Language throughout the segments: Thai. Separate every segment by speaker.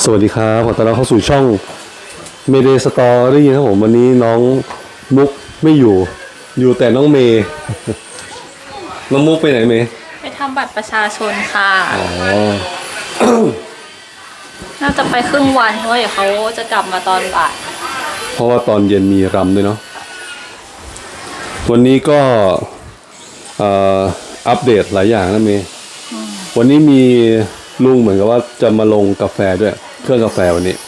Speaker 1: วัสดีครับขอต้อนรับเข้าสู่ช่อง Mayday Story นะครับผมวันนี้น้องมุกไม่อยู่แต่น้องเมย์น้องมุกไปไหนเมย์
Speaker 2: ไปทำบัตรประชาชนค่ะ
Speaker 1: อ๋อ
Speaker 2: น่าจะไปครึ่งวันเพราะว่าเดี๋ยวเขาจะกลับมาตอนบ่าย
Speaker 1: เพราะว่าตอนเย็นมีรำด้วยเนาะวันนี้ก็อัปเดตหลายอย่างนะเมย์วันนี้มีลุงเหมือนกับว่าจะมาลงกาแฟด้วยเครื่องกาแฟวันนี้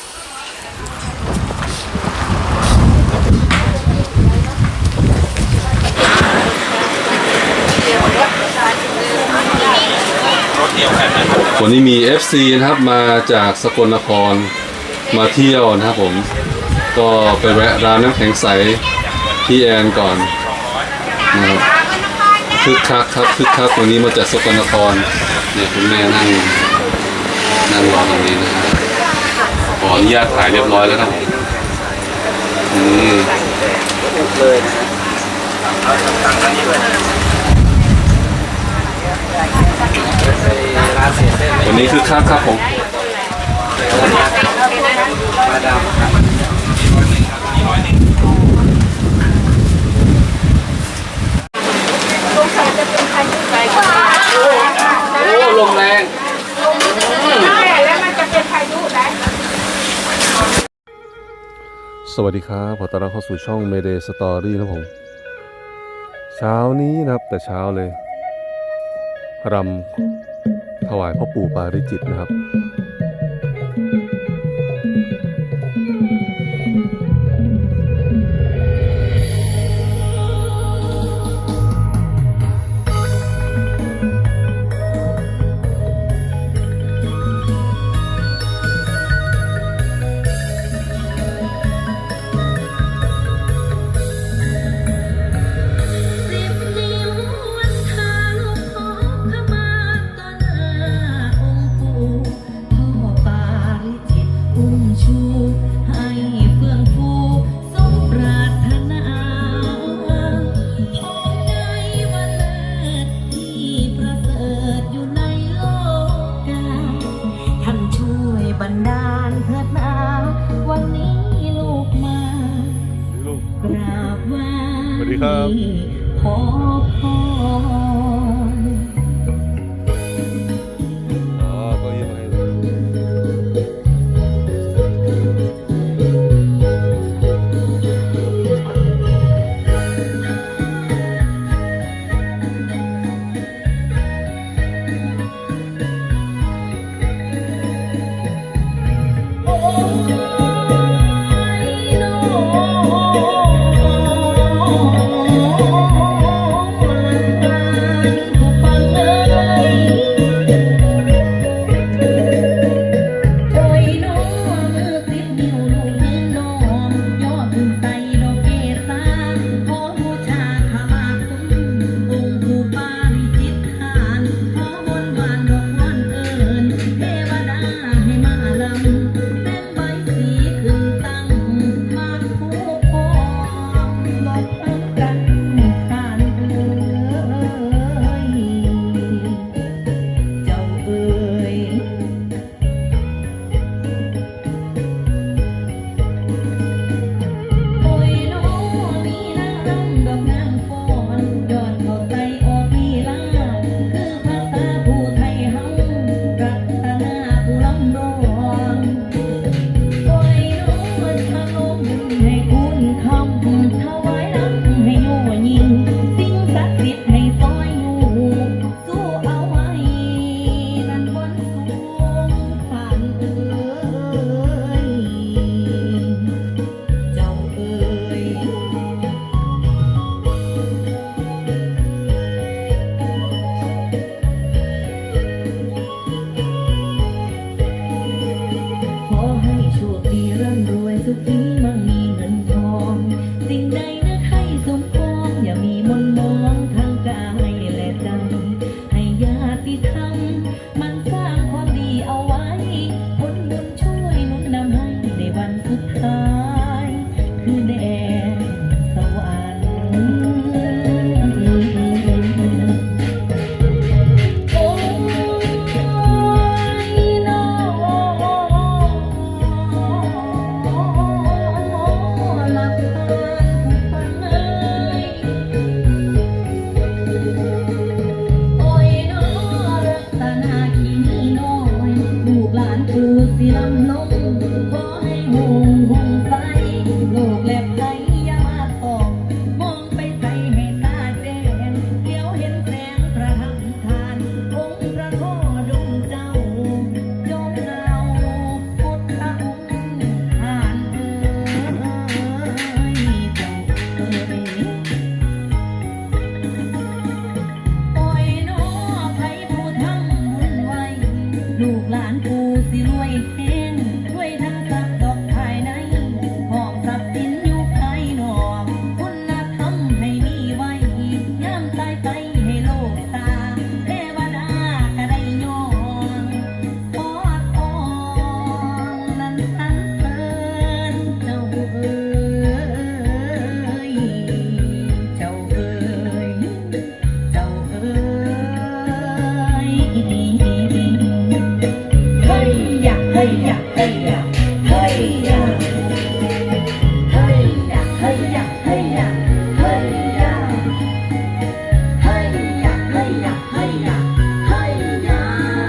Speaker 1: วันนี้มี FC นะครับมาจากสกลนครมาเที่ยวนะครับผมก็ไปแวะร้านน้ำแข็งใสพี่แอนก่อนนะครับคึกคักครับคึกคักวันนี้มาจากสกลนครเนี่ยคุณแม่นั่งรอตรงนี้นะครับขออนุญาตถ่ายเรียบร้อยแล้วครับนี่เลยนะเอาตังค์นี้ด้วยวันนี้คือครับผมมาดามโอ้ลมแรงแล้วมันจะเป็นพายุนะสวัสดีครับขอต้อนรับเข้าสู่ช่อง Mayday Story นะผมเช้านี้นะครับแต่เช้าเลยรำถวายพ่อปู่ปาริจิตนะครับขอพรก็ยังไง
Speaker 3: สิลำลงขอให้หูหงไฟโลกแลบไหลอย่ามาตอกมองไปใส่ให้ตาแจ้งเลี้ยวเห็นแสงประหัตทานองค์พระโคดมเจ้าจงเอาพุทธองค์ผ่านเจ้าปล่อยน้อไผผู้ทำบุญไว้ลูกหลานกูสิรวยแห้งรวยทั้งทรัพย์ดอกภายในห้องทรัพย์สินอยู่ภายนอกคุณธรรมให้มีไว้ยามตายไปให้โลกตาเทวดาก็ได้ย้อนขอทองนั้นสรรเสริญเจ้าเอ๋ยเจ้าเอ๋ยเจ้าเอ๋ยเฮ้ยยะเฮ้ยยะเฮ้ยยะเฮ้ยยะเฮ้ยยะเฮ้ยยะเฮ้ยยะเฮ้ยยะเฮ้ยยะเฮ้ยยะเฮ้ยยะเฮ้ยยะ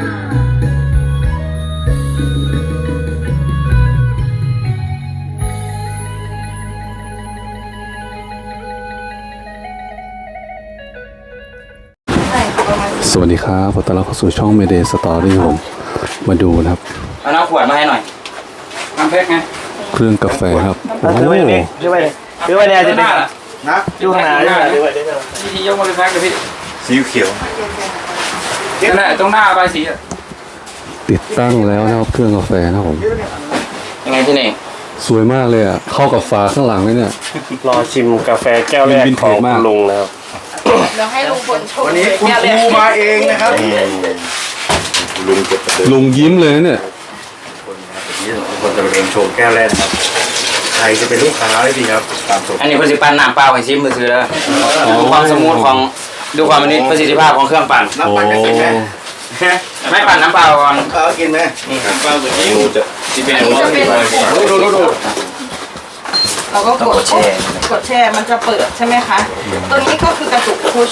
Speaker 1: สวัสดีครับขอต้อนรับเข้าสู่ช่อง Mayday Story ผมมาดูนะครับ
Speaker 4: เอาน้ำขวดมาให้หน่อยน้ำเพชรไง
Speaker 1: เครื่องกาแฟครับโอ้โห
Speaker 5: ดูไปเนี่ยจะเป็น
Speaker 4: นะ
Speaker 5: ดูข้างหน้าดูไปเนี่ย
Speaker 4: วิธียกมาเป็นแพ็คเลยพี่
Speaker 5: สีเขียว
Speaker 4: นั่นแหละตรงหน้าใบสี
Speaker 1: ติดตั้งแล้วนะครับเครื่องกาแฟนะครับผม
Speaker 4: ยังไงพี่เน่ง
Speaker 1: สวยมากเลยอ่ะเข้ากับฝาข้างหลังเลยเนี่ย
Speaker 5: รอชิมกาแฟแก้วแรก
Speaker 1: วินเท
Speaker 5: ขอ
Speaker 1: จ
Speaker 5: ง
Speaker 1: มาก
Speaker 5: คุณลุงนะครับ
Speaker 2: เดี๋ยวให้ลุงพลชม
Speaker 6: วันนี้คุณครูมาเองนะครับ
Speaker 5: ลุงเก็บประเดิม
Speaker 1: ลุงยิ้มเลยนะเนี่ย
Speaker 6: คนจะเรียนโชว์แก้วแรกนะครับ ใครจะเป็นลูกค้าได้ดีครับตามสม
Speaker 4: อันนี้คุณสิปันน้ำเปล่าให้ชิมมือถือแล้วดูความสมูทของดูความประสิทธิภาพของเครื่องปั่น
Speaker 6: น้ำปั่นจะกินไหม
Speaker 4: ไม่ปั่นน้ำเปล่าก่อน
Speaker 6: กินไหม
Speaker 4: นี่น้ำเปล่าตัวนี้จะเป็น
Speaker 2: อันนี้จะเป็น
Speaker 6: ดู
Speaker 2: เราก็กดแช่มันจะเปิดใช่ไหมคะตัวนี้ก็คือกระตุกพุช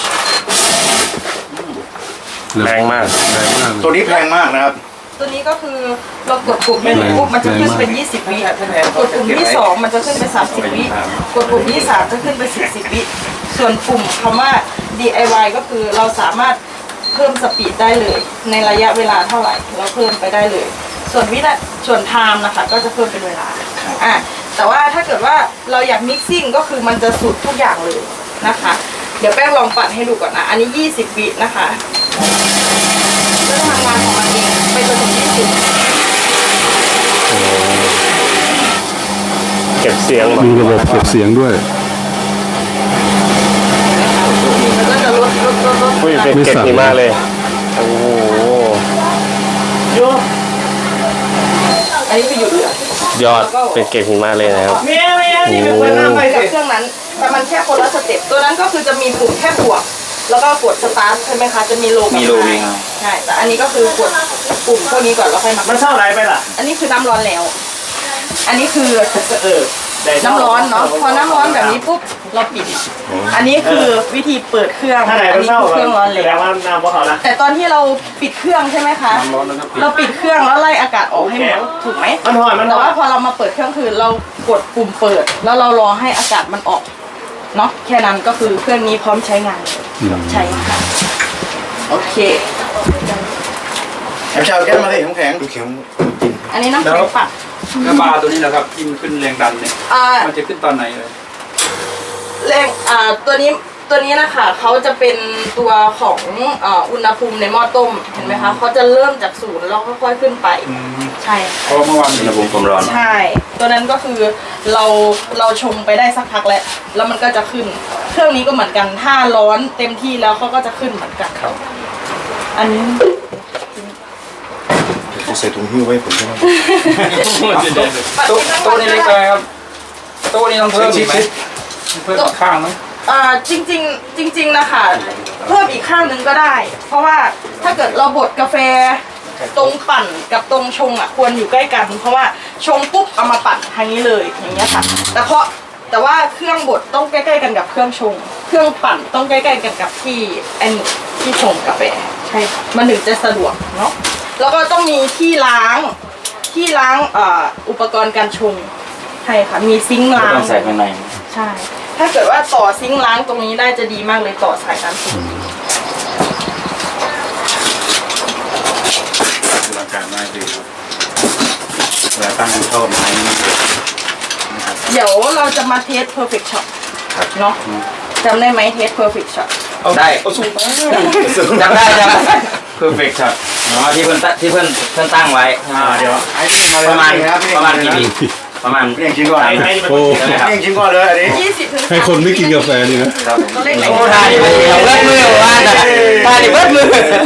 Speaker 5: แรงมาก
Speaker 1: แรงมาก
Speaker 6: ตัวนี้แพงมากนะครับ
Speaker 2: ตัวนี้ก็คือเรากดปุ่มหนึ่งปุ๊บมันจะขึ้นเป็น20 วิกดปุ่มที่2มันจะขึ้นเป็น30 วิกดปุ่มที่3จะขึ้นเป็น40 วิส่วนปุ่มคำว่า DIY ก็คือเราสามารถเพิ่มสปีดได้เลย ในระยะเวลาเท่าไหร่เราเพิ่มไปได้เลย ส่วนส่วนไทม์นะคะก็จะเพิ่มเป็นเวลาแต่ว่าถ้าเกิดว่าเราอยากมิกซิ่งก็คือมันจะสุดทุกอย่างเลยนะคะ เดี๋ยวแป้งลองปั่นให้ดูก่อนนะอันนี้20 วินะคะก็จะทำงานของมันเองไปจนถึง20
Speaker 5: เก็บเสียง
Speaker 1: มีระบบเก็บเสียงด้วย
Speaker 2: มันก็จะลด
Speaker 5: อุ้ยเป็นเก็บดีมากเลยโอ้โห
Speaker 2: อันนี้คือหยุดเหลือย
Speaker 5: อดเป็นเก็บหิมะเลยนะครับ
Speaker 2: เมียนี่เป็นคนทำไปกับเครื่องนั้นแต่มันแค่คนละสเต็ปตัวนั้นก็คือจะมีปุ่มแค่บวกแล้วก็กดสตาร์ทใช่ไหมคะจะมีโลกับไฮใช่แต่อันนี้ก็คือกดปุ่มพวกนี้ก่อนแล้วค่อยมา
Speaker 5: มันเท่าไรไปล่ะ
Speaker 2: อันนี้คือน้ำร้อนแล้ว อันนี้คือน้ำร้อนเนาะพอน้ำร้อนแบบนี้ปุ๊บเราปิด อันนี้คือวิธีเปิดเครื่อง
Speaker 5: ถ้าไหน
Speaker 2: อั
Speaker 5: มัน
Speaker 2: นี้
Speaker 5: เท่า
Speaker 2: คือเครื่องร้อน
Speaker 5: แส
Speaker 2: แล้
Speaker 5: ดง
Speaker 2: ว
Speaker 5: ว่าน้ำพวกเขานะ
Speaker 2: แต่ตอนที่เราปิดเครื่องใช่ไหมคะเราปิดเครื่องแล้วไล่อากาศออกให้หมดถูกไหม
Speaker 5: มันหอยมันห
Speaker 2: แต่
Speaker 5: อย
Speaker 2: ว่าพอเรามาเปิดเครื่องคือเรากดปุ่มเปิด แล้วเรารอให้อากาศมันออกเนาะแค่นั้นก็คือเครื่องนี้พร้อมใช้งานใช่ค่ะโอเค
Speaker 6: แอมชาวแก้วมาสิน้ำแข็งแข็ง
Speaker 2: อันนี้น้ำแข็งปัด
Speaker 4: แล้วบาร์ตัวนี้แหละครับที่มันขึ้นแรงดันเนี่ย
Speaker 2: อ่า
Speaker 4: มันจะขึ้นตอนไหนเลย
Speaker 2: แรงตัวนี้นะคะเขาจะเป็นตัวของอุณหภูมิในหม้อต้มเห็นไหมคะเขาจะเริ่มจากศูนย์แล้วค่อยๆขึ้นไปใช่
Speaker 4: เพราะเมื่อวานอุณหภูมิความร้อน
Speaker 2: ใช่ ตัวนั้นก็คือเราชงไปได้สักพักแล้วมันก็จะขึ้น เครื่องนี้ก็เหมือนกันถ้าร้อนเต็มที่แล้วเขาก็จะขึ้นเหมือนกันครับอันนี้
Speaker 6: จะใส่ถุงหิ้วไว้ผมใช่ไหม
Speaker 4: โต๊ะนี้เล็กไปครับโต๊ะนี้ต้องเพิ่มอีกไหมเพิ่มอีกข้างไหม
Speaker 2: จริงนะคะเพิ่มอีกข้างหนึ่งก็ได้ เพราะว่าถ้าเกิดเราบดกาแฟตรงปั่นกับตรงชงควรอยู่ใกล้กัน เพราะว่าชงปุ๊บเอามาปั่นทางนี้เลยอย่างเงี้ยค่ะแต่ว่าเครื่องบดต้องใกล้ๆกันกับเครื่องชง เครื่องปั่นต้องใกล้ๆกันกับที่ชงกาแฟใช่ค่ะมันถึงจะสะดวกเนาะแล้วก็ต้องมีที่ล้างที่ล้างอุปกรณ์การชงใช่ค่ะมีซิงค์
Speaker 4: ก็
Speaker 2: ล้าง
Speaker 4: ต้องใส่ข้างใน
Speaker 2: ใช่ ถ้าเกิดว่าต่อซิงค์ล้างตรงนี้ได้จะดีมากเลยต่อสายน้ำซิงค์
Speaker 6: ดูอาการมากดีครับเวลาตั้งเข้าไม้นะครับ
Speaker 2: เดี๋ยวเราจะมาเทส perfect shot เนาะจำได้ไหมเทส perfect shot
Speaker 4: ได้จำได้perfect shot ที่เพื่อนตั้งไว้
Speaker 6: เดี๋ยวไอ้นี่มาเลย
Speaker 4: ประมาณ
Speaker 6: ครับ
Speaker 4: ประมาณกี่ปีประมาณ
Speaker 6: เรียงชิ้นก่อน
Speaker 1: โอ้
Speaker 6: เรียงชิ้นก่อนเลยอันนี้
Speaker 2: 20 ถึง
Speaker 1: ให้คนไม่กินกาแฟดีนะ
Speaker 4: ครับ
Speaker 2: ตัวเลขไหน
Speaker 4: โอ้ทานดิเบิดมือว่าแต่ทานดิเบิดมือ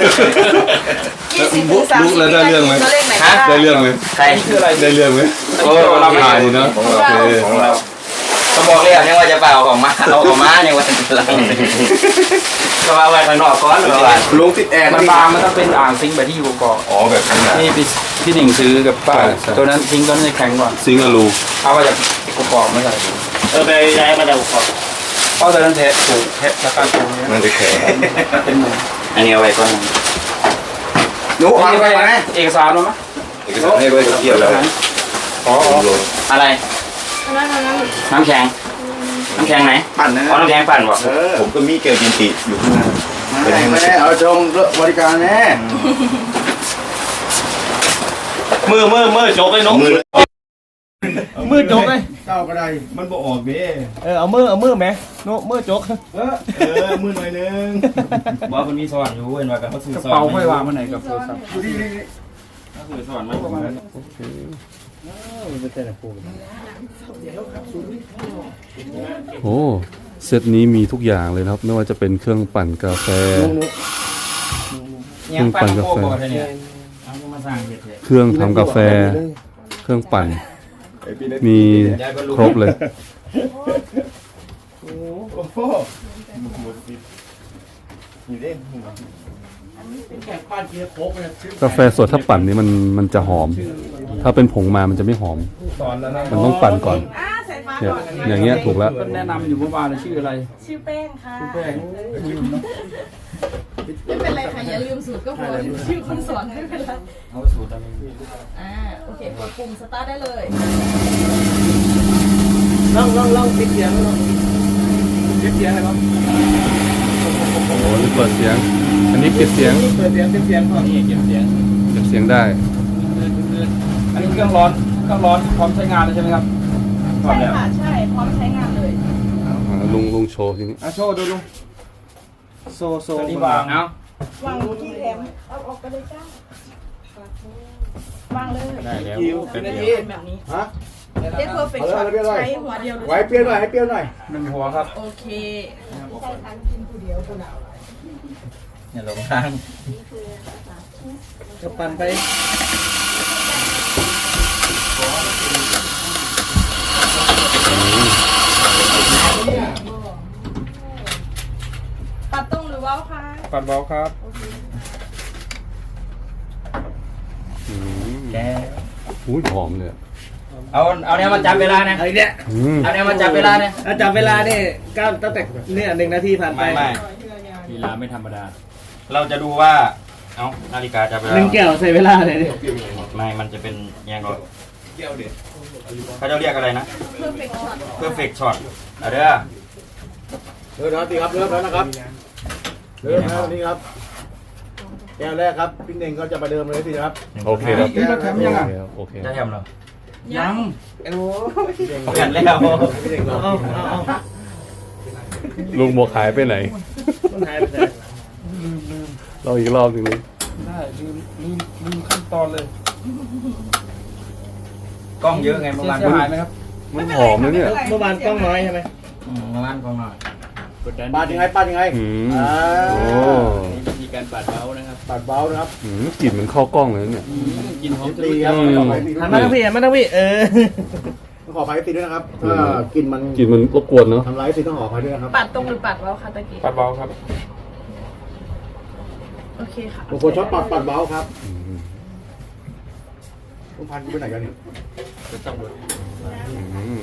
Speaker 2: 20 ถึง
Speaker 1: บุ๊กแล้วได้เรื่องไหม
Speaker 2: ตัวเลขไหนก็
Speaker 1: ได้เรื่องไหม
Speaker 4: ใคร
Speaker 1: ได้เรื่องไหม
Speaker 4: โอ้เรา
Speaker 1: ถ่ายดีเนาะโอเค
Speaker 4: ของเราก็บอกเลยเนี่ยว่าจะเปล่าของมาเอาของมาเนี่ยว่าจะหลังก็เอาไว้ข้างนอกก่อนหรือว่า
Speaker 6: ลงติดแอร์
Speaker 7: มันบางมันต้องเป็นอ่างซิงค์แบบที่อยู่ก่อน
Speaker 6: อ๋อแบบนั้นนะ
Speaker 7: นี่พี่หนิงซื้อกับป้าตัวนั้นซิงค์ตัวนั้นจะแข็งก่อน
Speaker 1: ซิงค์อลู
Speaker 7: เอามาจากกุปองไม่ใช่
Speaker 5: ไปย้ายมาจากอุปกรณ์
Speaker 7: เพราะตัวนั้นเทปถูกเทปราคาถูกเนี่ย
Speaker 6: มันจะแข็ง
Speaker 7: เป็นหมื่น
Speaker 4: อันนี้เอาไว้ก่อน
Speaker 6: หนูอ่อนไปไหม
Speaker 7: เอกสารมั้ย
Speaker 6: เอกสารให้ด้วยเกี่ยวแล้ว
Speaker 4: อะไร
Speaker 2: นั่น
Speaker 4: น้ำแข็งน้ำแข็งไหน
Speaker 6: ปั่นนะ
Speaker 4: อ๋อน้ำแข็งปั่นบอก
Speaker 6: ผมก็มีเกลกินติอยู่ข้างหน้าไม่ได้เอาชมบริการแน่
Speaker 5: มือโจกเลยน้อง
Speaker 6: มือ
Speaker 5: มือโจกเลย
Speaker 6: เจ้าก็ได้มันบ่ออกเด้
Speaker 5: เอามือไหมโน้มือโจก
Speaker 6: มือหน่อยนึง
Speaker 4: บอกมันมีสว่านอยู่เว้นว่ากับเขาซื้อก
Speaker 7: ระเป๋าไม่วางมาไหนกับโทรศัพท์
Speaker 4: ซื้อสว่านไหมประมาณ
Speaker 1: โอ้เซตนี้มีทุกอย่างเลยนะครับ ไม่ว่าจะเป็นเครื่องปั่นกาแฟ
Speaker 4: เนี่ยปั่นโค้กบอกเนี่ยเอามาสร้างเห็ดเลย
Speaker 1: เครื่องทำกาแฟ เครื่องปั่น มีครบเลย กาแฟสดถ้าปั่นนี่มันจะหอม ถ้าเป็นผงมามันจะไม่หอม
Speaker 7: สอนแล้วนะ
Speaker 1: มันต้องปั่นก่อน
Speaker 2: ใส่ฟ้า
Speaker 1: เนี่ย
Speaker 2: ก่อน
Speaker 1: อย่างเงี้ยถูกแล้ว
Speaker 7: แนะนำอยู่เมื่อวานชื่ออะไร
Speaker 2: ชื่อแป้งค่ะ
Speaker 7: แป้ง
Speaker 2: ไม่เป็นไรค่ะอย่าลืมสูตรก็พอชื่อคนสอนไม่เป็นไร
Speaker 4: เอาสูตรอะไร
Speaker 2: โอเคกดปุ่มสตาร์ทได้เลย
Speaker 5: ลองปิดเสียงปิดเสียงอะไรบ้าง
Speaker 1: โอ้โหนี่เปิดเสียง อันนี้ปิดเสียง
Speaker 5: เปิดเสียงก่อน
Speaker 7: นี่เก็บเสียง
Speaker 1: เก็บเสียงได้
Speaker 7: อันนี้เครื่องร้อนพร้อมใช้งานเลยใช่ไหมครับ
Speaker 2: ใช่ค่ะใช่พร้อมใช้งานเลย
Speaker 1: ลุงโชว์ทีนี้
Speaker 5: โชว์ดูลุงโซ
Speaker 7: ที่วางเอา
Speaker 2: วางที่แถมเอาออกไปเลยจ้าวางเลย
Speaker 7: ได้แล้ว
Speaker 2: เป็นแบบนี้เทสเพอร์เฟคช็อตใช้หัวเดียว
Speaker 6: ไว้เปรี้ยวหน่อยให้เปรี้ยวหน่อย
Speaker 7: หนึ่งหัวครับ
Speaker 2: โอเค
Speaker 4: เนี่ยหลงทาง
Speaker 5: จะปั่นไป
Speaker 2: ปัดตรงหรือว่าวคะ
Speaker 7: ปัดเบาครับ
Speaker 4: แก
Speaker 1: อุ้ยหอมเลยอะ
Speaker 4: เอาเนี่ยมาจับเวลานะ
Speaker 5: ไอ้เนี่ย
Speaker 1: อืม
Speaker 4: เอาเนี่ยมาจับเวลาเนี่ย
Speaker 5: จับเวลานี่ก้าวตั้งแต่เนี่ย1 นาทีผ่านไป
Speaker 4: ไม่
Speaker 7: ลีลาไม่ธรรมดา
Speaker 4: เราจะดูว่าเอานาฬิกาจับเวลา
Speaker 5: 1 แก้วใส่เวลาเลยดิ
Speaker 4: ไม่มันจะเป็นยังไงเขาจะเรียกอะไรนะ perfect shot เอาเด้อ
Speaker 6: เริ่มแล้วสิครับเริ่มแล้วนะครับเริ่มแล้วนี่ครับแก้วแรกครับพี่เน่งก็จะประเดิมเลยสิครับ
Speaker 1: โอเคครับ
Speaker 7: นี่เราทำยังไง
Speaker 1: โอเค
Speaker 4: จะทำเหรอ
Speaker 7: ยัง
Speaker 4: แผ่นแล้ว
Speaker 6: พี่เน่งลองกินนะ
Speaker 1: ลุงบัวขายไปไหน
Speaker 5: มันหายไปไหน
Speaker 1: เราอีกรอบหนึงนี้
Speaker 7: ได้ลืมขั้นตอนเลย
Speaker 4: กล้องเยอะไงเมื่อวาน
Speaker 7: เสียหายไหมครับ
Speaker 1: มันหอมนะเนี่ย
Speaker 5: เมื่อวานกล้องน้อยใช่ไหม
Speaker 4: เมื่อวานกล้องหน่อย
Speaker 6: ปาดยังไงปาดยังไง
Speaker 1: อืม
Speaker 6: อ่า
Speaker 1: โอ้
Speaker 7: วิธีการปัดเบานะครับ
Speaker 6: ปาดเบานะครับ
Speaker 1: อืมกลิ่นเหมันเข้ากล้องเลยนะเนี่ย
Speaker 7: กินหอมจะ
Speaker 6: ตี
Speaker 7: รู้
Speaker 6: ครับขอไปตี
Speaker 5: หันมาทั้งพี่หันมาทั้งพี่
Speaker 6: ขอไปตีด้วยนะครับถ้ากลินมัน
Speaker 1: กลิ่นมันรบกวนเนาะ
Speaker 6: ทำร้ายตีต้องขอไปด้วยนะครับ
Speaker 2: ปัดตรงหรือปัดว่าวคะตะกี้
Speaker 7: ปัดเบาครับ
Speaker 2: โอเคค่ะ
Speaker 6: บางคนชอบปัดเบาครับ
Speaker 1: อืม
Speaker 6: ลุงพันธุ์ไปไหนกันนี่
Speaker 1: อืม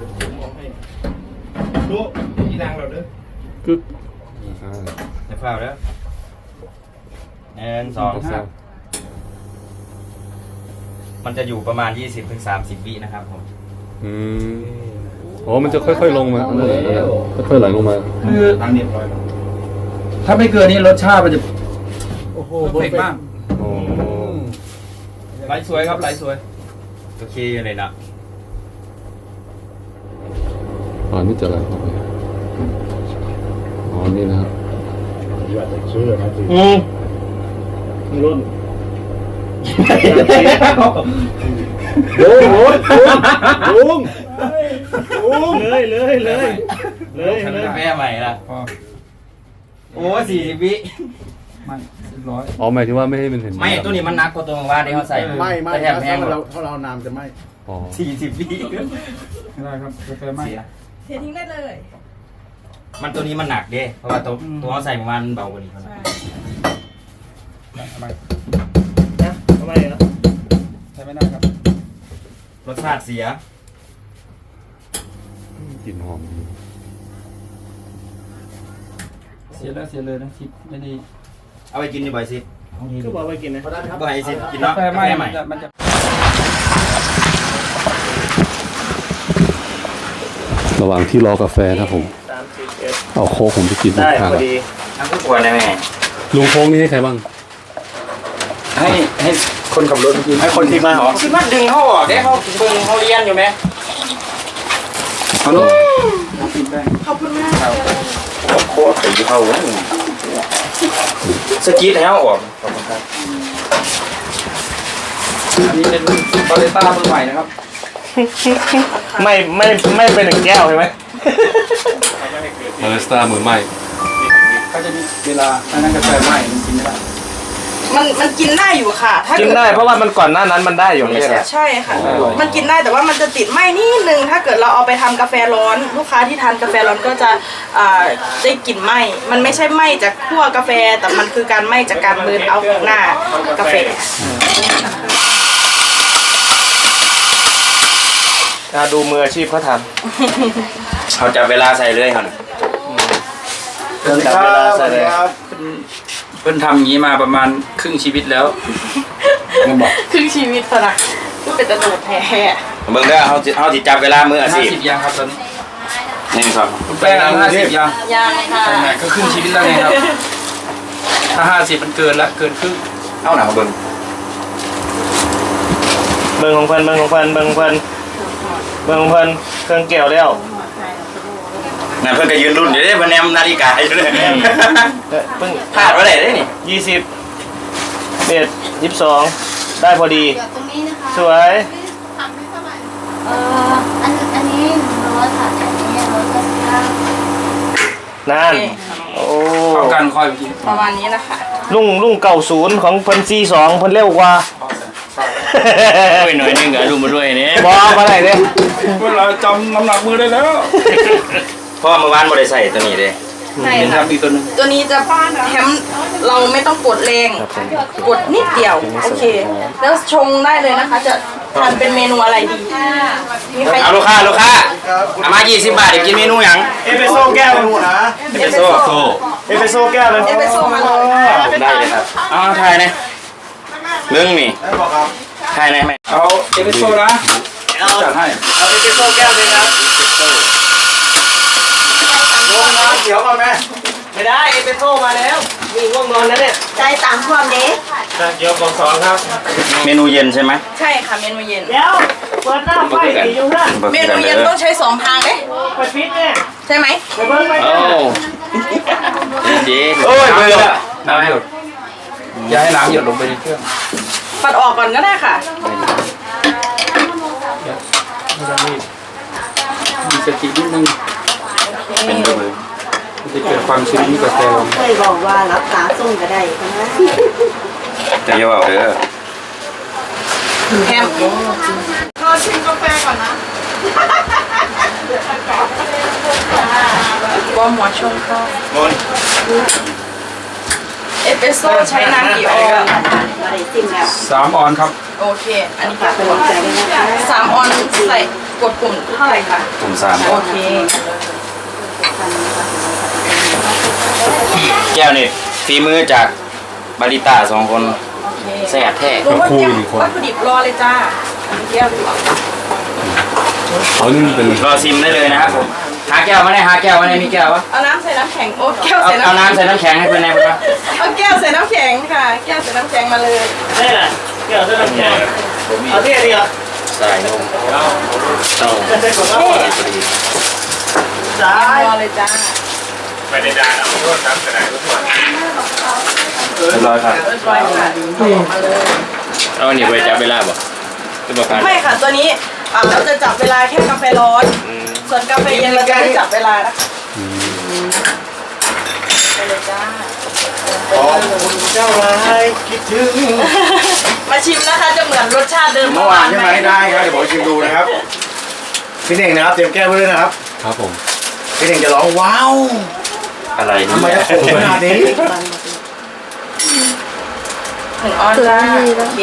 Speaker 6: ดู
Speaker 1: กึ๊กอ่า
Speaker 4: เดี๋ยวเฝ้าแล้ว1 2 3 มันจะอยู่ประมาณ 20-30 วินะครับผม
Speaker 1: อืมอ๋อมันจะค่อยๆลงมาค่อยๆไหลลงมา
Speaker 7: คือ
Speaker 6: ทางเรียบร้อยแล้ว
Speaker 7: ถ้าไม่เกินนี้รสชาติมันจะ
Speaker 6: โอ้โห
Speaker 7: เพอร์เฟกต์มาก
Speaker 1: อ๋อ
Speaker 7: ไหลสวยครับไหลสวย
Speaker 4: โอเคเลยนะ
Speaker 1: อ๋อนี่จะไหลเข้าไปอ๋อนี่นะครับ
Speaker 6: อยากจะเชื่อนะสิ
Speaker 7: รุ่น
Speaker 6: ลุง
Speaker 7: เลย
Speaker 4: ทำกาแฟใหม่ละโอ้40 วิ
Speaker 7: ไม่ร้อย
Speaker 1: อ๋อหมายถึงว่าไม่ให้มันเห็น
Speaker 4: ไม่ตัวนี้มันหนักกว่าตัวเมื่อวานที่เขาใส่
Speaker 6: ไม่
Speaker 4: แต่แถมแพงกว่า
Speaker 6: ถ้าเรานามจะไม่
Speaker 1: อ๋อ
Speaker 4: 40 วิ
Speaker 7: ไม่ได้ครับกาแฟไม่
Speaker 4: เสีย
Speaker 2: เททิ้งได้เลย
Speaker 4: มันตัวนี้มันหนักเด้เพราะว่าตัวเขาใส่เมื่อวานมันเบากว่านี้เท่านั้น
Speaker 7: ทำไม
Speaker 5: ทำไมเหรอ
Speaker 7: ใช้ไม่ได้ครับ
Speaker 4: รสชาติเสีย
Speaker 1: กลิ่นหอมดี
Speaker 7: เสียเลยนะคิดไม่ดี
Speaker 4: เอาไปกินดีบ่อยสิ
Speaker 5: ก็บอกไปกินนะ
Speaker 4: บ่อยสิกิน
Speaker 7: กา
Speaker 4: เนาะ
Speaker 7: แฟ
Speaker 4: กา
Speaker 7: ไม่
Speaker 4: แฟใหม่
Speaker 7: มันจะ
Speaker 1: ระหว่างที่รอกาแฟนะครับผม
Speaker 5: 30
Speaker 1: เอาโค้กผมไปกิน
Speaker 5: ได้
Speaker 1: ข้าง
Speaker 5: พอดี
Speaker 4: ทั้งผู้ป่วยได้ไหม
Speaker 1: ลุงโค้กนี่ให้ใครบ้าง
Speaker 4: ให้คนขับรถกินให้คนที่มาเหรอคิดว่าดึงเขาออกได้เขาเบิ่งเขาเรียนอยู่ไหม
Speaker 7: ฮัลโหล
Speaker 2: ขอบคุณมาก
Speaker 4: โคตรตีเขาสกีดให้เขาออก
Speaker 7: อันนี้เป็นบาเลต้ามือใหม่นะครับ
Speaker 5: ไม่เป็นหนึ่งแก้วใช่ไหม
Speaker 1: บาริสต้ามือใหม่
Speaker 7: ก็จะมีเวลาถ้านั่นกาแฟไหม้มันกินไม่ได้
Speaker 2: มันกินได้อยู่ค่ะ ถ้า
Speaker 5: กิน
Speaker 2: เกิด
Speaker 5: ได้เพราะว่ามันก่อนหน้านั้นมันได้อยู่ไม่ใช่เหรอ
Speaker 2: ใช่ค่ะ มันกินได้แต่ว่ามันจะติดไหมนิดนึง ถ้าเกิดเราเอาไปทำกาแฟร้อน ลูกค้าที่ทานกาแฟร้อนก็จะได้กลิ่นไหมมันไม่ใช่ไหมจากคั่วกาแฟ แต่มันคือการไหมจากการเบิร์นเอาของหน้ากาแฟ
Speaker 5: ดูมืออาชีพเขาท
Speaker 4: เขาจับเวลาใส่เลยครับ
Speaker 5: ำจับเวลาใส่เลย
Speaker 7: เพิ่นทำอย่างนี้มาประมาณครึ่งชีวิตแล้ว
Speaker 2: ครึ่งชีวิตสนะก็เป็นตะโดดแท้
Speaker 4: เบิ่งได้เขาสิจับเวลามืออาชีพ
Speaker 7: 50ยังครับตอนนี้
Speaker 4: นี่ครับ
Speaker 7: คุณแป้งอายุ50ยัง
Speaker 2: ยังค่ะ
Speaker 7: ไหนก็ครึ่งชีวิตแล้วไงครับ ถ้า50มันเกินละเกินครึ่ง
Speaker 4: เอาหนังเบิ่ง
Speaker 5: เบิ่งของเพิ่นเครื่องแก้วแล้ว
Speaker 4: นั่นเพิ่นก็ยืนรุ่นอยู่เด้เพิ่นแนมนาฬิกาอยู่เลย
Speaker 5: เพิ่ง
Speaker 4: พลาดบ่ได้เด้นี่
Speaker 5: 20 22ได้พอดี
Speaker 8: เดี๋ยวตรงนี้นะคะ
Speaker 5: สวย
Speaker 8: ทำไม่เท่าไหร่อันนี้100ค่ะอันนี้199
Speaker 5: นั่นโอ้
Speaker 7: เข้ากันค่อยไปกิน
Speaker 2: ประมาณนี้นะคะ
Speaker 5: ลุงเก่าศูนย์ของเพิ่น42เพิ่นเร็วกว่า
Speaker 4: ด้วยหน่อยนึงก็รู้มาด้วยนี่
Speaker 5: บ่มาได้เด้
Speaker 7: เวลาจำน้ำหนักมือได้แล้ว
Speaker 4: เพราะว่าเมื่อวานบ่ได้ใส่ตัวนี้เด้
Speaker 2: ใช่
Speaker 7: เป็น
Speaker 2: ค่ะ
Speaker 7: ทำอีกตัวหนึง
Speaker 2: ตัวนี้จะแถมเราไม่ต้องกดแรง กดนิดเดียว โอเค แล้วชงได้เลยนะคะ จะทานเป็นเมนูอะไรดี มีใคร
Speaker 4: เอาลูกค้าเอามา20 บาทเดี๋ยวกินเมนูหยัง
Speaker 5: เอสเปรสโซ่แก้วนึงนะ
Speaker 4: เอสเปรสโซ่
Speaker 5: เอสเปรสโซ่แก้วนึง
Speaker 2: เอสเปรสโซ่มาเลย
Speaker 4: ได้เลยครับเอาถ่ายนะเรื่องนี่ถ่ายนะแม่
Speaker 7: เอาเอสเปรสโซ่นะจัดให้
Speaker 5: เอาเอสเปรสโซ่แก้วนึงครับลงน้ำเขียวก่อนไหมไม่ได้เอสเปรสโซ่มาแล้วมีง่วงนอนแล้วเนี่ย
Speaker 2: ใจตามความเด็ก
Speaker 5: ชาเขียวของ2ครับ
Speaker 4: เมนูเย็นใช่ไหม
Speaker 2: ใช่ค่ะ เมนูเย็น
Speaker 5: เดี๋ยวเปิดหน้าไฟสีอยู่นั่น
Speaker 2: เมนูเย็นต้องใช้2 ทางเด้
Speaker 5: ไปปิดเนี่ย
Speaker 2: ใช่ไหม
Speaker 5: ไปเบิ้งไป
Speaker 4: โอ้
Speaker 5: เนี่ย
Speaker 4: เจ๊
Speaker 5: โอ้ยเบื่อ
Speaker 7: น้ำหยดอย่าให้น้ำหยดลงไปในเครื่อง
Speaker 2: ปัดออกก่อนก็ได้ค่ะ
Speaker 7: ไม่ต้องรีบมีสตินิดนึง
Speaker 4: เป็นตัวมือ
Speaker 7: มันจะเกิดความชื้นที่กาแฟ
Speaker 9: เคยบอกว่ารับตาส่งก็ได้นะ
Speaker 4: จะเยาว์เด้อ
Speaker 2: แฮมรอชิมกาแฟก่อนนะบอมหัวชงก็
Speaker 4: มน
Speaker 2: เอสเปรสโซ่ใช้น้ำกี่ออน
Speaker 9: มาได้จริงแล้ว
Speaker 7: 3 ออนครับ
Speaker 2: โอเค อันนี้
Speaker 9: ฝากเป็นกำลังใจด้วยนะคะ
Speaker 2: 3 ออนใส่กดปุ่มเท่าไหร่คะ
Speaker 4: กลุ่ม
Speaker 2: โอเค
Speaker 4: 3แก้วนี่ฝีมือจากบาริต้า2 คนแซ่บแท้
Speaker 2: ลุงว่าเตรียมวัตถุดิบรอเลยจ้าอันนี้แก้วดีกว่า
Speaker 1: เขานี่มันเป็น
Speaker 4: รอซิมได้เลยนะครับผมหาแก้วมาได้หาแก้วมาได้มีแก้ววะ
Speaker 2: เอาน้ำใส่น้ำแข็งโอ้แก้ว
Speaker 4: เอา
Speaker 2: ใส่น้ำ
Speaker 4: เอาน้ำใส่น้ำแข็งให้เพื่อนได้ไหมครับ
Speaker 2: เอาแก้วใส่น้ำแข็งค่ะ แก้วใส่น้ำแข็งมาเลย
Speaker 5: นี่แหละเกี่ยวกับน้ำแข็งเอาที่นี่เหรอ
Speaker 4: ใส่นมเต้า
Speaker 5: จะได้กดว่า
Speaker 2: นี่
Speaker 5: จ้าร
Speaker 2: อเลยจ้า
Speaker 4: เรียบร้อยครับ
Speaker 2: รอยค่ะมาเลย
Speaker 4: เอาอันนี้ไปจับเวลาบ่คือบอกกัน
Speaker 2: ไม่ค่ะตัวนี้เราจะจับเวลาแค่กาแฟร้อน ส่วนกาแฟเย็นเราจะไม่จับเวลานะคะไปเลยจ้า
Speaker 6: ขอบคุณเจ้าร้ายคิดถึง
Speaker 2: มาชิมนะคะจะเหมือนรสชาติเดิม
Speaker 6: เมื่อวานใช่ไหมได้ครับเดี๋ยวผมชิมดูนะครับพี่เน่งนะครับเตรียมแก้วไว้ด้วยนะครับ
Speaker 1: ครับผม
Speaker 6: พี่เน่งจะร้องว้าว
Speaker 4: อะไร
Speaker 6: ทำไม
Speaker 4: เนี่ย
Speaker 6: จะขมขนาดนี้
Speaker 2: ถึงออนจ้าโอเค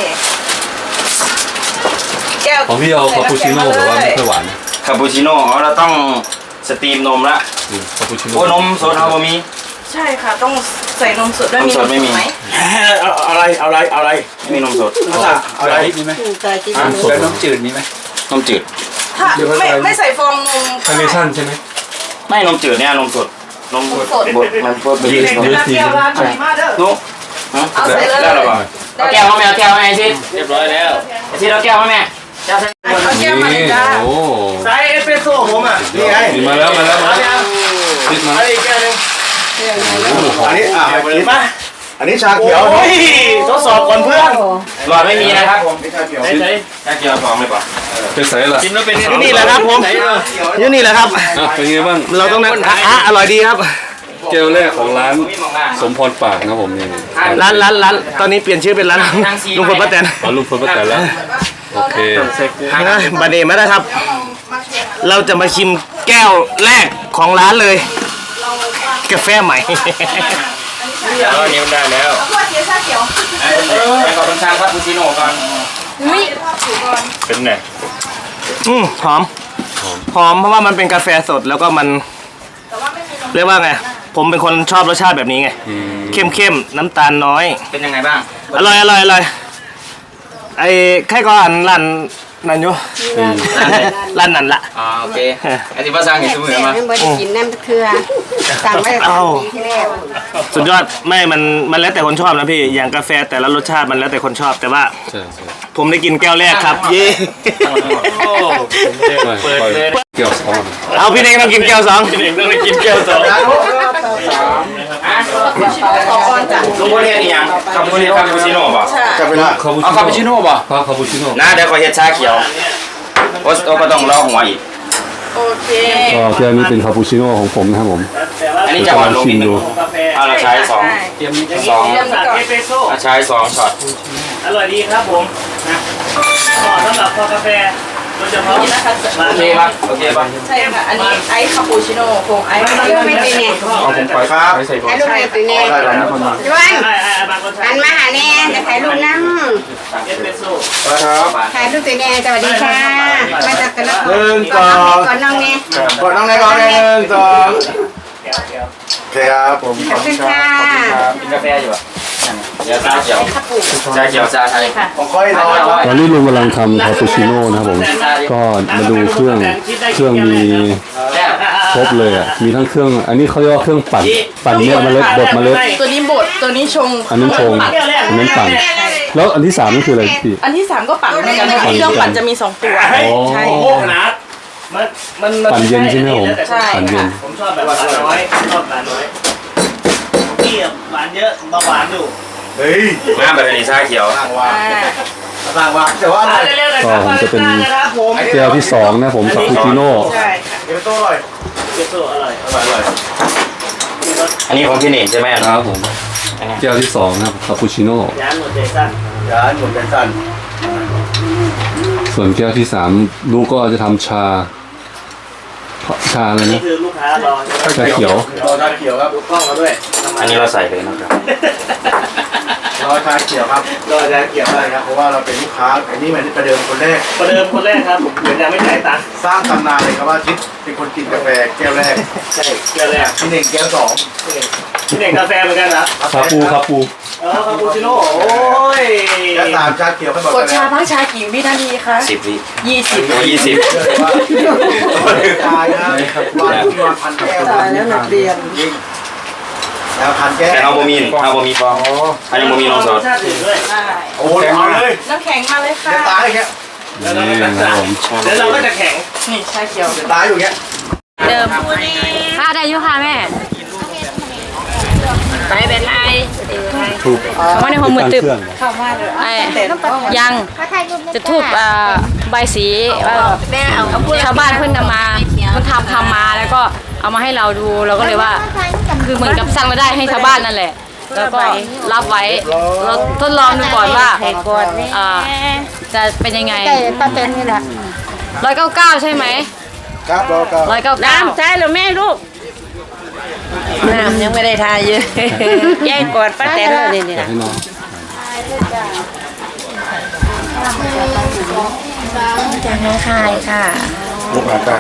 Speaker 2: แก้ว
Speaker 1: ของพี่เอาคาปูชิโน่หรือว่าไม่ค่อยหวาน
Speaker 4: คาปูชิโน่อ๋อเราต้องสตรีมนมละ
Speaker 1: คาปูชิโน่
Speaker 4: โอ้นมสดเอาบะมี
Speaker 2: ใช่ค่ะต้องใส่นมสดด้วย
Speaker 4: นมสดไม่มี
Speaker 2: ไหม
Speaker 6: เอาอะไร
Speaker 4: ไม่มีนมสด
Speaker 6: เอาอะไร
Speaker 7: มีไหม
Speaker 9: ใจกิน
Speaker 1: สด
Speaker 7: แล้วน้ำจืดมีไหม
Speaker 4: นมจืด
Speaker 2: ถ้าไม่ใส่ฟองนม
Speaker 1: คาร์เนชั่นใช่ไหม
Speaker 4: ไม่นมจืดเนี่ยนมสดนมบดมันพวกเป็น
Speaker 2: แก้วร้านไหนมาเด้อ
Speaker 4: นุ๊ก
Speaker 2: เอาใส่เลย
Speaker 4: ได้หรอเปล่าเอาแก้วมาแม่เอาแก้วมาแม่ซิเรียบร้อยแล้วไอ้ซิเอาแก้วมาแม่แก้วใส่
Speaker 2: เอาแก้วมาเลย
Speaker 1: นี่
Speaker 2: จ้า
Speaker 1: โอ้
Speaker 5: ไซส์เอสเปรสโซ่ผมอ่ะ
Speaker 6: นี่ไง
Speaker 1: นี่มาแล้วติดมา
Speaker 5: อะไรแก้วนึง
Speaker 6: อันนี้คิดมาอันนี้ชาเขียว
Speaker 5: โอ้ยทดสอบก่อนเพื่อน
Speaker 4: หลอดไม่มีนะครับผม
Speaker 6: นี่ชาเขียว
Speaker 5: ไหน
Speaker 4: แก้วเกียวสองเลยป่ะ
Speaker 1: เป็นไสล่ะ
Speaker 7: กินแล้วเป็น
Speaker 5: อยู่นี่แหละครับผมอยู่นี่แหละครับ
Speaker 1: อ่ะเป็นไงบ้าง
Speaker 5: เราต้องนั่งอร่อยดีครับ
Speaker 1: แก้วแรกของร้าน
Speaker 4: มีมองหน้า
Speaker 1: สมพรปากนะครับผมนี่
Speaker 5: ร้านตอนนี้เปลี่ยนชื่อเป็นร้านลุงพลป้าแตน
Speaker 1: ขอรูปเพิ่มประแต่แล้วโอเค
Speaker 5: บันเดมาได้ครับ เราจะมาชิมแก้วแรกของร้านเลย กาแฟใหม่
Speaker 4: แล้วอันนี้มันได้แล้ว
Speaker 2: เอาขวดเขียวชาเขียว
Speaker 4: ไปขอบคุณช่างครับปูชิโน่ก่อน
Speaker 2: ไม่ภาพถือก่อน
Speaker 4: เป็นไง
Speaker 5: หอมเพราะว่ามันเป็นกาแฟสดแล้วก็มัน
Speaker 2: แต่ว่าไม่มีนม
Speaker 5: เรียกว่าไง ผมเป็นคนชอบรสชาติแบบนี้ไง เข้มน้ำตาลน้อย
Speaker 4: เป็นยังไงบ้าง
Speaker 5: อร่อยไอ้ใครก็อ่านร้านนั่นอยู่ร้านนั่นละ
Speaker 4: อ๋อโอเคไอ้ที่ภาษาอังกฤษมือมา
Speaker 9: ไม่ได้กินน้ำเคือสั่งไว้ปีที่แล้ว
Speaker 5: สุดยอดไม่มันแล้วแต่คนชอบนะพี่อย่างกาแฟแต่ละรสชาติมันแล้วแต่คนชอบแต่ว่า
Speaker 1: ใช่ใช่
Speaker 5: ผมได้กินแก้วแรกครับ เย้
Speaker 1: เปิดเลยเกี่ยวสอง
Speaker 5: เอาพี่เน่งต้องกินแก้วสอง
Speaker 7: พี่เองต้องไปกินแก้วสอง
Speaker 2: ขอก่อนจ้ะ
Speaker 4: ลุงโบเรียนอีหยังคาปูชิโน่ป่ะ
Speaker 2: ใช่
Speaker 6: จับเวลา
Speaker 4: เอาคาปูชิโน่ป่ะ
Speaker 1: คาปูชิโน่
Speaker 4: นะเดี๋ยวขอเฮ็ดชาเขียวโอ้ก็ต้องรอหัวอีก
Speaker 2: โอเค
Speaker 1: ก็แก้วนี้เป็นคาปูชิโน่ของผมนะครับผม
Speaker 4: อันนี้จะหวานลงนิดนึงเอาเราใช้สอง
Speaker 7: เตรียมนี้
Speaker 4: สอง
Speaker 2: เตรียมก่อน
Speaker 5: เอสเปรสโซ่
Speaker 4: เราใช้สองช็อต
Speaker 5: อร่อยดีครับผมนะเหมาะสำหรับคอกาแฟโดยเฉพาะ
Speaker 2: นี่นะคะ
Speaker 4: โอเคป่ะโอเคป่ะ
Speaker 2: ใช่ค่ะ อันนี้ไอซ์คาปูชิโน่ผงไอซ์
Speaker 9: ถ่ายรูปไม่เป็นเนี่ย
Speaker 1: เอาผมไป
Speaker 6: ครับ
Speaker 1: ไปใส่ก่อน
Speaker 9: ถ่ายรูปไม่เป็นเนี่ย
Speaker 6: ได้แล้วนะคนมา
Speaker 9: จวน
Speaker 5: บางคน
Speaker 9: หันมาหาแน่จะถ่ายรูปนั่ง
Speaker 5: เอสเปรสโซ่
Speaker 6: ครับ
Speaker 9: ถ่ายรูปตัวแน่สวัสดีค่ะ มาจากกันแล้ว
Speaker 6: หนึ่งสอง
Speaker 9: ก่อนน้องเนี่ย
Speaker 6: กดน้องในก่อนหนึ่งสอง
Speaker 5: แก้ว
Speaker 6: โอเคครับผม
Speaker 9: ขอบคุณค่ะ
Speaker 4: กินกาแฟอยู่ป่ะเดี๋ยวชาเขียวชาเขียวชาไทย
Speaker 6: ผมค่อยรอ
Speaker 1: ตอนนี้ลุงกำลังทำคาปูชิโน่นะครับผมก็มาดูเครื่องมีครบเลยอ่ะมีทั้งเครื่องอันนี้เขาเรียกว่าเครื่องปั่นเนี่ยเมล็ดบดเมล็ด
Speaker 2: ตัวนี้บดตัวนี้ชง
Speaker 1: อันนั้นชงอันนั้นปั่นแล้วอันที่สามนั่นคืออะไรพี่
Speaker 2: อันที่3ก็ปั่นเหมือนกันนะคะเครื่องปั่นจะมี2ตัว
Speaker 1: อ๋อ
Speaker 2: ใช่
Speaker 5: โอ้โหขนาดมัน
Speaker 1: ปั่นเย็นใช่ไหมผม
Speaker 2: ใช่
Speaker 1: ปั่นเย็น
Speaker 5: ผมชอบแบบหวานน้อยชอบหวานน้อยพี่หวานเยอะเบาหวานอยู่
Speaker 6: เฮ้ย
Speaker 4: มาแบบนี้ชาเขียว
Speaker 6: ต่างว่า
Speaker 2: อ่า
Speaker 6: ต่างว่าแต่ว่าอะไร
Speaker 5: เร็วๆหน่อยครับนะครับผม
Speaker 1: แก้วที่สองนะผมคาปูชิโน่
Speaker 2: ใช่ค่ะ
Speaker 6: เดี๋ยวโต้หน่อย
Speaker 5: เอสเปรสโซ่อร่อย
Speaker 6: อร่อย
Speaker 4: อันนี้ของพี่เน่งใช่ไหม
Speaker 1: ครับผมแก้วที่สองนะครับคาปูชิโน่
Speaker 5: ยานหมดใจสั้น
Speaker 6: ย้านผมเป็นสั้น
Speaker 1: ส่วนแก้วที่สามลูกก็จะทำชาอะไร
Speaker 5: นี่
Speaker 1: นะ
Speaker 5: คือลูกค้ารอ
Speaker 1: ชาเขียว
Speaker 6: รอชาเขียวครับ
Speaker 5: ดูกล้องเราด้วยทำ
Speaker 4: อันนี้เราใส่เลยนะครับ
Speaker 6: รอชาเขียวครับรอชาเขียวได้ครับเพราะว่าเราเป็นลูกค้าอันนี้มันประเดิมคนแรก
Speaker 5: ประเดิมคนแรกครับเหมือนยังไม่จ่ายตังค์
Speaker 6: สร้างตำนานเลยครับว่าชิดเป็นคนกินกาแฟแก้วแรก
Speaker 5: ใช่เกี่ยวแรก
Speaker 6: พี่เน่งแก้วสอง
Speaker 5: พี่เด็กกาแฟเหมือนกันนะ
Speaker 1: คาปูคาปู
Speaker 5: คาปูชิโน่โอ้ย
Speaker 6: แก้วสามชาเขียวให้หมด
Speaker 2: กดชาทั้งชากี่วินาทีคะ
Speaker 4: 10 วิ
Speaker 2: 20
Speaker 4: โอ้20
Speaker 6: เชื่อเลยว่าตายนะวันที่วันพันแก้ว
Speaker 2: ตายแล้วนักเรียน
Speaker 6: จริงแล้วพันแก้ว
Speaker 4: แต่เอาบะหมี่ฟองอันนี้บะหมี่ลงสด
Speaker 5: ชาติอื่นด้วย
Speaker 6: โอ้ยเอาเลย
Speaker 2: น้ำแข็งมาเลยค่ะ
Speaker 6: จะตายอย่างเงี้ย
Speaker 1: นี่นะครับผม
Speaker 5: แล้วเราก็จะแข็ง
Speaker 2: นี่ชาเขียว
Speaker 6: จะตายอยู่อย่างเงี้ย
Speaker 3: เดิมค่ะได้ยุค่ะแม่ไปเป็นไร
Speaker 1: ถูก
Speaker 3: ว่าในห้องมือตึบ
Speaker 1: เครื่อง
Speaker 2: เข้ามาเลย
Speaker 3: ไอ้ยังจะทูบใบสีชาวบ้านเพิ่นนำมาเพิ่นทำมาแล้วก็เอามาให้เราดูเราก็เลยว่า คือเหมือนกับสร้างรายได้ให้ชาวบ้านนั่นแหละ แล้วก็รับไว้เราทดลองดูก่อนว่าจะเป็นยังไง
Speaker 9: ป้าเป็นนี่แหละ
Speaker 3: 199ใช่ไหม
Speaker 6: ครับรอครับ
Speaker 3: 199
Speaker 9: น้ำใช่หรือแม่ลูกน้ำยังไม่ได้ทายเยอะแย่กอดป้าแตนเลยนี่
Speaker 1: อยากให้น้อง
Speaker 9: จากน้องคายค่ะ
Speaker 6: ลูกหลานกัน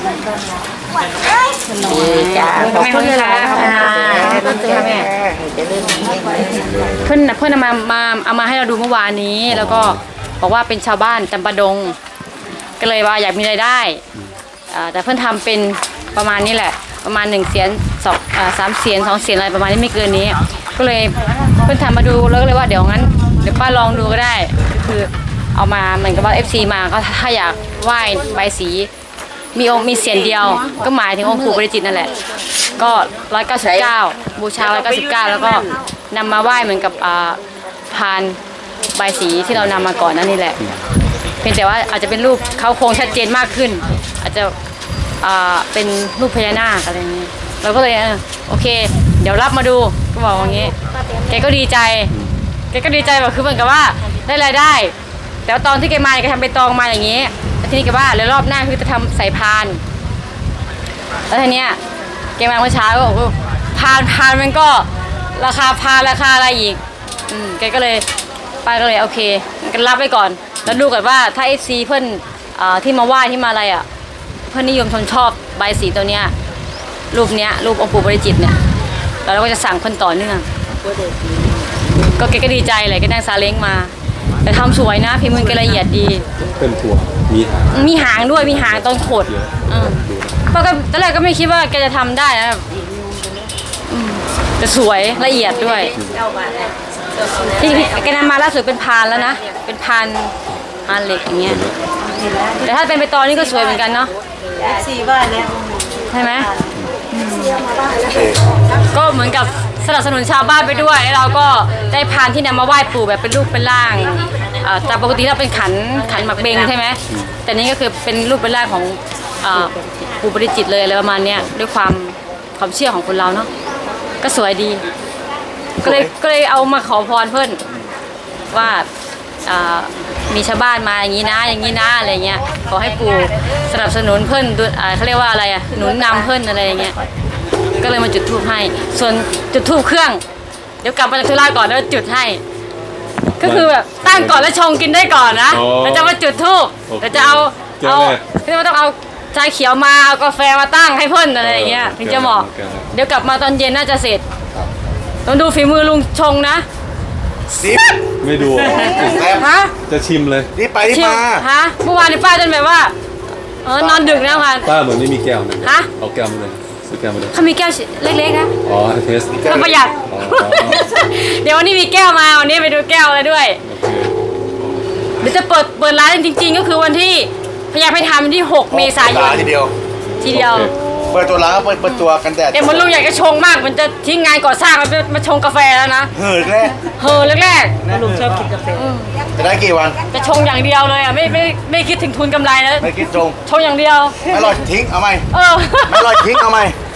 Speaker 9: ดีจ้าขอบคุณค่ะขอบคุณค่ะแม่
Speaker 3: เพิ่นเอามาให้เราดูเมื่อวานนี้ แล้วก็บอกว่าเป็นชาวบ้านจำปาดง ก็เลยว่าอยากมีรายได้แต่เพิ่นทำเป็นประมาณนี้แหละ ประมาณ1 เสียน3 เสียน2 เสียนอะไรประมาณนี้ไม่เกินนี้ ก็เลยเพิ่นทำมาดูแล้วก็เลยว่าเดี๋ยวป้าลองดูก็ได้ก็คือเอามาเหมือนกับว่า FC มาก็ถ้าอยากไหว้ใบสีมีเสียนเดียว ก็หมายถึงองค์ปู่ปาริจิตนั่นแหละก็199บูชา199แล้วก็นำมาไหว้เหมือนกับพานใบสีที่เรานำมาก่อนนั่นนี่แหละเพียงแต่ว่าอาจจะเป็นรูปเขาโครงชัดเจนมากขึ้น อาจจะเป็นรูปพญานาคอะไรอย่างนี้เราก็เลยโอเค เดี๋ยวรับมาดูก็บอกอย่างนี้แกก็ดีใจแบบคือเหมือนกับว่าได้รายได้ แต่ว่าตอนที่แกมาแกทำใบตองมาอย่างนี้ทีนี้แกว่าแล้วรอบหน้าคือจะทำใส่พานแล้วทีเนี้ยแกมาเมื่อเช้าก็บอกว่าพานมันก็ราคาพานราคาอะไรอีกแกก็เลยป้าก็เลยโอเคกันรับไว้ก่อนแล้วดูก่อนว่าถ้า FC เพื่อนที่มาไหว้ที่มาอะไรเพื่อนนิยมชอบใบสีตัวเนี้ยรูปองค์ปู่ปาริจิตเนี่ยแล้วเราก็จะสั่งเพื่อนต่อเนื่องก็แกก็ดีใจเลยก็นั่งซาเล้งมาแต่ทำสวยนะพิมพ์มือแกละเอียดดี
Speaker 1: เป็นถั่วมีหาง
Speaker 3: ด้วยมีหางตอนขดป้าก็ตอนแรกก็ไม่คิดว่าแกจะทำได้นะแต่สวยละเอียดด้วยที่แกนำมาล่าสุดเป็นพานแล้วนะเป็นพานเหล็กอย่างเงี้ยแต่ถ้าเป็นใบตองนี่ก็สวยเหมือนกันเนาะ
Speaker 2: สีว่าเนี่ย
Speaker 3: ใช่ไหมก็เหมือนกับสนับสนุนชาวบ้านไปด้วยแล้วเราก็ได้พานที่นำมาไหว้ปู่แบบเป็นรูปเป็นร่างแต่ปกติเราเป็นขันหมักเบงใช่ไหมแต่นี้ก็คือเป็นรูปเป็นร่างของปู่ปาริจิตเลยอะไรประมาณเนี้ยด้วยความเชื่อของคนเราเนาะก็สวยดีก็เลยเอามาขอพรเพื่อนว่ามีชาวบ้านมาอย่างนี้นะอะไรเงี้ยขอให้ปู่สนับสนุนเพื่อนเขาเรียกว่าอะไรหนุนนำเพื่อนอะไรอย่างเงี้ยก็เลยมาจุดธูปให้ส่วนจุดธูปเครื่องเดี๋ยวกลับมาจากธุระก่อนแล้วจุดให้ก็คือแบบตั้งก่อนแล้วชงกินได้ก่อนนะแล้วจะมาจุดธูปแล้วจะเอาที่ว่าต้องเอาชาเขียวมาเอากาแฟมาตั้งให้เพื่อนอะไรอย่างเงี้ยถึงจะเหมาะเดี๋ยวกลับมาตอนเย็นน่าจะเสร็จต้องดูฝีมือลุงชงนะ
Speaker 1: ไม่ดู
Speaker 3: ฮะ
Speaker 1: จะชิมเลย
Speaker 6: นี่ไปนี่
Speaker 3: ชิม
Speaker 6: มา
Speaker 3: ฮะเมื่อวานนี่ป้าจนแบบว่านอนดึกนะพัน
Speaker 1: ป้าเหมือนไม่มีแก้วนะ
Speaker 3: ฮะ
Speaker 1: เอาแก้วมาเลยซื้อแก้วมาเลย
Speaker 3: เขามีแก้วเล็กๆนะ
Speaker 1: อ๋อเทส
Speaker 3: เขาประหยัด
Speaker 1: อ๋อ
Speaker 3: เดี๋ยววันนี้มีแก้วมาวันนี้ไปดูแก้วเลยด้วย
Speaker 1: โอเค
Speaker 3: เดี๋ยวจะเปิดร้านจริงๆก็คือวันที่พยายามให้ทำที่ 6 เมษายน
Speaker 6: ทีเดียว
Speaker 3: ทีเดียว
Speaker 6: เปิดตัวร้านก็เปิดตัวกันแดด
Speaker 3: เดี๋ยวมันลุงอยากจะชงมากมันจะทิ้งงานก่อสร้างมาชงกาแฟแล้วนะ
Speaker 6: เฮ้ยแรก
Speaker 3: แรก
Speaker 2: ลุงชอบกินกาแฟ
Speaker 6: จะได้กี่วัน
Speaker 3: ๆจะชงอย่างเดียวเลยไม่คิดถึงทุนกำไรนะ
Speaker 6: ไม่คิดตรง
Speaker 3: ชงอย่างเดียว
Speaker 6: ไม่อร่อยทิ้งเอาไหม
Speaker 3: เออ
Speaker 6: ไม่อร่อยทิ้งเอาไหม